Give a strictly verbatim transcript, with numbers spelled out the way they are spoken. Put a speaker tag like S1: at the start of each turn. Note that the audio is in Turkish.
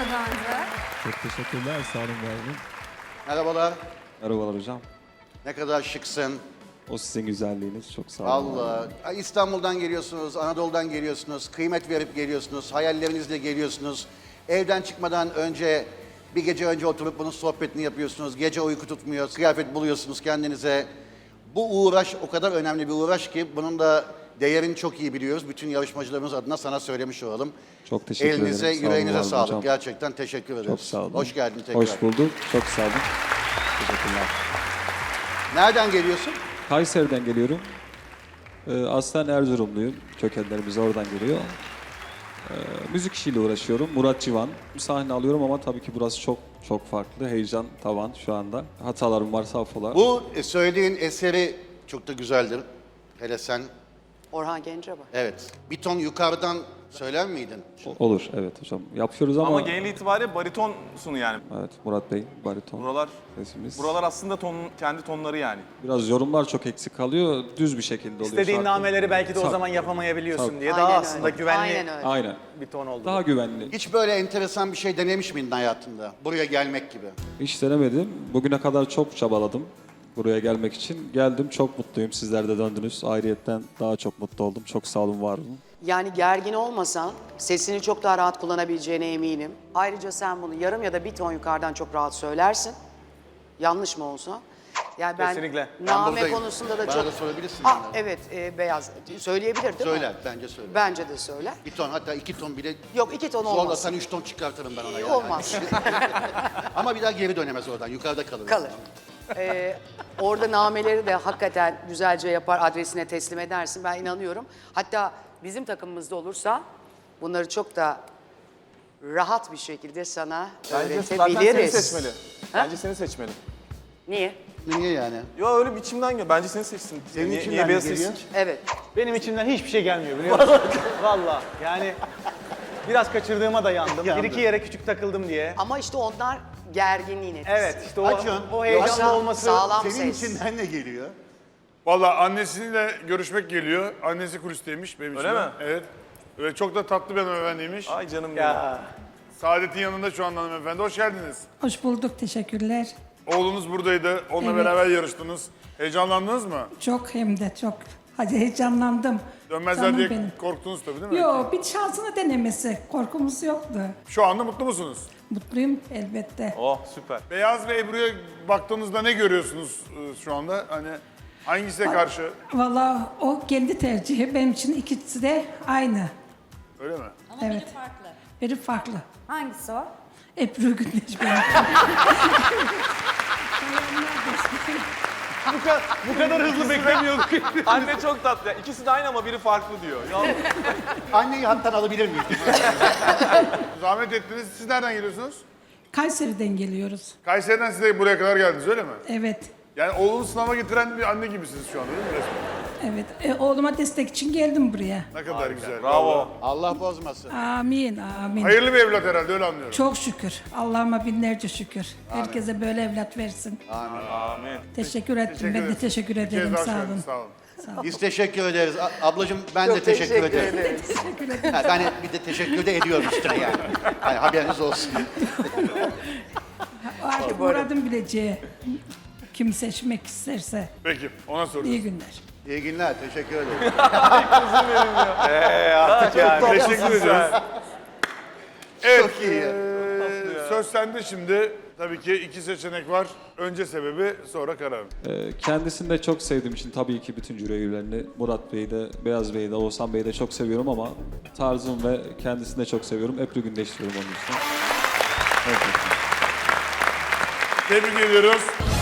S1: daha önce.
S2: Çok teşekkürler. Sağ olun Merve.
S3: Merhabalar.
S2: Merhabalar hocam.
S3: Ne kadar şıksın.
S2: O sizin güzelliğiniz. Çok sağ olun.
S3: Allah. Ay, İstanbul'dan geliyorsunuz, Anadolu'dan geliyorsunuz, kıymet verip geliyorsunuz, hayallerinizle geliyorsunuz. Evden çıkmadan önce, bir gece önce oturup bunun sohbetini yapıyorsunuz. Gece uyku tutmuyor, kıyafet buluyorsunuz kendinize. Bu uğraş o kadar önemli bir uğraş ki bunun da değerini çok iyi biliyoruz. Bütün yarışmacılarımız adına sana söylemiş olalım.
S2: Çok teşekkür
S3: Elinize,
S2: ederim. Sağ olun,
S3: yüreğinize
S2: var olun
S3: sağlık.
S2: hocam.
S3: Gerçekten teşekkür ederiz.
S2: Çok sağ olun.
S3: Hoş geldin tekrar.
S2: Hoş bulduk. Çok sağ olun. Teşekkürler.
S3: Nereden geliyorsun?
S2: Kayseri'den geliyorum. Ee, aslen Erzurumluyum. Kökenlerimiz oradan geliyor. Ee, müzik işiyle uğraşıyorum. Murat Civan. Bir sahne alıyorum ama tabii ki burası çok çok farklı. Heyecan tavan şu anda. Hatalarım varsa affola.
S3: Bu e, söylediğin eseri çok da güzeldir. Hele sen,
S4: Orhan Gencebay.
S3: evet. Bir ton yukarıdan söyler miydin?
S2: O- Olur, evet hocam. Yapıyoruz ama...
S5: Ama genel itibariyle baritonsun yani.
S2: Evet, Murat Bey, bariton
S5: Buralar
S2: sesimiz.
S5: buralar aslında ton, kendi tonları yani.
S2: Biraz yorumlar çok eksik kalıyor. Düz bir şekilde oluyor.
S6: İstediğin
S2: şarkı.
S6: nameleri belki de o
S2: Tabii.
S6: zaman yapamayabiliyorsun
S2: Tabii.
S6: diye
S4: Aynen
S6: daha
S4: öyle.
S6: aslında güvenli
S4: Aynen öyle.
S2: Aynen.
S6: bir ton oldu.
S2: Daha güvenli.
S3: Hiç böyle enteresan bir şey denemiş miydin hayatında? Buraya gelmek gibi.
S2: Hiç denemedim. Bugüne kadar çok çabaladım buraya gelmek için. Geldim, çok mutluyum. Sizler de döndünüz. Ayrıyetten daha çok mutlu oldum. Çok sağ olun, var olun.
S4: Yani gergin olmasan sesini çok daha rahat kullanabileceğine eminim. Ayrıca sen bunu yarım ya da bir ton yukarıdan çok rahat söylersin. Yanlış mı olsa? Yani ben
S6: Kesinlikle.
S3: Ben
S4: name
S3: buradayım.
S4: konusunda da
S3: Bana
S4: çok...
S3: da sorabilirsin.
S4: Aa,
S3: yani.
S4: evet, e, Beyaz. Söyleyebilir değil mi?
S3: Söyler, bence söyler.
S4: Bence de söyler.
S3: Bir ton, hatta iki ton bile...
S4: Yok, iki ton olmaz.
S3: Zorlasan üç ton çıkartırım ben ona. Yani.
S4: Olmaz.
S3: Ama bir daha geri dönemez oradan, yukarıda kalır.
S4: Kalır. Ee, orada nameleri de hakikaten güzelce yapar, adresine teslim edersin. Ben inanıyorum. Hatta bizim takımımızda olursa bunları çok da rahat bir şekilde sana
S5: Bence zaten seni
S4: öğretebiliriz.
S5: seçmeli. Bence seni seçmeli.
S4: Niye?
S3: Niye yani?
S5: Yo öyle biçimden geliyor. Bence seni seçsin.
S3: Senin
S5: niye,
S3: içinden
S5: niye
S3: ne
S5: beyaz
S3: geliyor?
S5: seçsin ki?
S4: Evet.
S6: Benim içimden hiçbir şey gelmiyor biliyor musun? Valla yani biraz kaçırdığıma da yandım.
S3: Yandı.
S6: Bir iki yere küçük takıldım diye.
S4: Ama işte onlar gerginliğin etkisi.
S6: Evet işte o,
S3: Acun,
S6: o heyecanlı
S4: yoksa
S6: olması.
S4: sağlam
S3: Senin
S4: ses.
S3: içinden ne geliyor?
S7: Valla annesiyle görüşmek geliyor. Annesi kulisteymiş benim
S5: Öyle
S7: için.
S5: mi?
S7: Evet. Ve çok da tatlı bir hanımefendiymiş.
S5: Ay canım benim.
S6: Ya.
S7: Saadet'in yanında şu anda hanımefendi. Hoş geldiniz.
S8: Hoş bulduk, teşekkürler.
S7: Oğlunuz buradaydı. Onunla
S8: Evet.
S7: beraber yarıştınız. Heyecanlandınız mı?
S8: Çok hem de çok. Hadi heyecanlandım.
S7: Dönmezler
S8: Canım
S7: diye
S8: benim.
S7: korktunuz tabii değil mi?
S8: Yo, bir şansını denemesi. Korkumuz yoktu.
S7: Şu anda mutlu musunuz?
S8: Mutluyum elbette.
S5: Oh süper.
S7: Beyaz ve Ebru'ya baktığınızda ne görüyorsunuz e, şu anda? Hani hangisine karşı?
S8: Vallahi o kendi tercihi. Benim için ikisi de aynı.
S7: Öyle mi?
S1: Ama
S8: Evet.
S1: biri farklı.
S8: Biri farklı.
S1: Hangisi o?
S8: Ebru Gündeş benim.
S6: Bu, kadar, bu kadar hızlı beklemiyorduk.
S5: Anne çok tatlı. Ya. İkisi de aynı ama biri farklı diyor. Ya,
S3: Anneyi hattan alabilir miyiz?
S7: Zahmet ettiniz. Siz nereden geliyorsunuz?
S8: Kayseri'den geliyoruz.
S7: Kayseri'den siz de buraya kadar geldiniz öyle mi?
S8: Evet.
S7: Yani oğlunu sınava getiren bir anne gibisiniz şu anda değil mi resmen?
S8: Evet. E, oğluma destek için geldim buraya.
S7: Ne kadar güzel.
S5: bravo.
S3: Allah bozmasın.
S8: Amin, amin.
S7: Hayırlı bir evlat herhalde öyle anlıyorum.
S8: Çok şükür. Allah'ıma binlerce şükür. Herkese böyle evlat versin.
S5: Amin.
S8: Teşekkür ettim.
S7: Teşekkür
S8: ben de
S7: ederiz.
S8: teşekkür
S7: Bir kez
S8: ederim.
S7: daha
S8: Sağ
S7: söyledim,
S8: olun.
S7: Sağ olun.
S3: Biz teşekkür ederiz. A- ablacığım ben de teşekkür, ederim.
S8: Teşekkür ederim.
S3: Ha, ben bir de teşekkür de ediyorum işte yani. Yani haberiniz olsun.
S8: Artık Murat'ın bileceği kim seçmek isterse.
S7: Peki ona soruyoruz.
S8: İyi günler.
S3: İyi günler, teşekkür ederim.
S7: Teşekkür ediyoruz. Evet,
S3: Çok iyi.
S7: eee, söz sende şimdi. Tabii ki iki seçenek var. Önce sebebi, sonra karar.
S2: Ee, kendisini de çok sevdiğim için tabii ki bütün jüri üyelerini, Murat Bey'i de, Beyaz Bey'i de, Oğuzhan Bey'i de çok seviyorum ama tarzım ve kendisini de çok seviyorum. Ebru Gündeş diyorum onun için. Evet.
S7: Tebrik ediyoruz.